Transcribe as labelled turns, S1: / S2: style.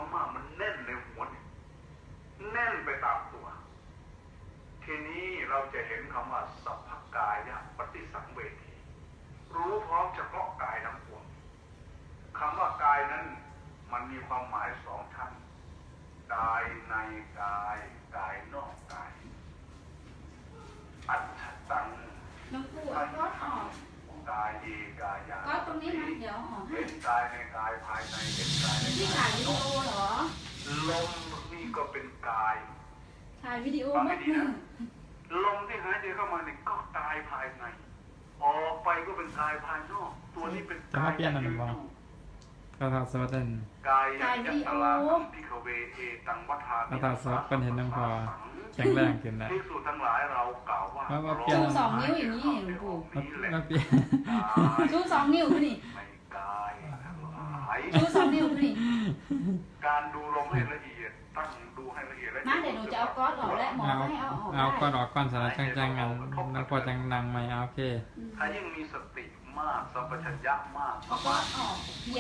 S1: มากๆมันแน่นในหัวเนี่ยแน่นไปตามตัวทีนี้เราจะเห็นคำว่าสัพพกายะปฏิสังเวทีรู้พร้อมเฉพาะกายทั้งปวงคำว่ากายนั้นมันมีความหมายสองชั้นกายในกายกายนอกกายอัจฉตัง
S2: น้องปูเอาก๊อตออก
S1: กายเอกายา
S2: ก๊อตตรงนี้นะเดี๋ยวออกให้
S1: เห็นกายในกายภายในเห็นกายใน
S2: ที่
S1: กา
S2: ถ่าย ยวิดีโอเหรอ
S1: ลมนี่ก็เป็นกาย
S2: ถ่ายวิดีโอ
S1: ฟัง
S2: เมื่
S1: ให้
S2: อ
S1: ดี
S2: คื
S1: นะ
S2: น
S1: ลมที่หายใจเข้ามาเนี่ยก็กายภายในออกไปก็เป็นกายภายนอกตัวนี้เป็น
S3: จะมาเปลี่ยนอะไรบ้าง ก็ทำสวัสดิ์
S1: กายยัตตลาคัมพิขเวเอตังวัฏา
S3: ก็ทำสวัสดิ์เป็นเห็นน้ำพอแข็งแรงขึ้นแล้ว
S1: ภิกษุทั้งหลายเรากล่าวว่า
S3: ว่าเปลี่ยน
S2: ชูสองนิ้วอย่างนี้หลวงปู่
S3: มาเปลี่ยน
S2: ชูสองนิ้วขึ้นนี่
S1: ในกายทั้งหลาย
S2: ชูสองนิ้วขึ้นนี่
S1: การดูลมให้ละเอียดตั้งดูให้ละเอียดและ
S2: มาเดี๋ยวหนูจะเอาก๊อตออกและหมอ
S3: เอา
S2: ก็ให้เอาออก
S3: เอาก่อน
S2: ได้
S3: ออกก่อนสารจังจังกันแล้วพอจังนังไหมโอเค
S1: ถ้ายิ่งมีสติมากสัมปชัญญะมาก
S2: เอาก๊อตออก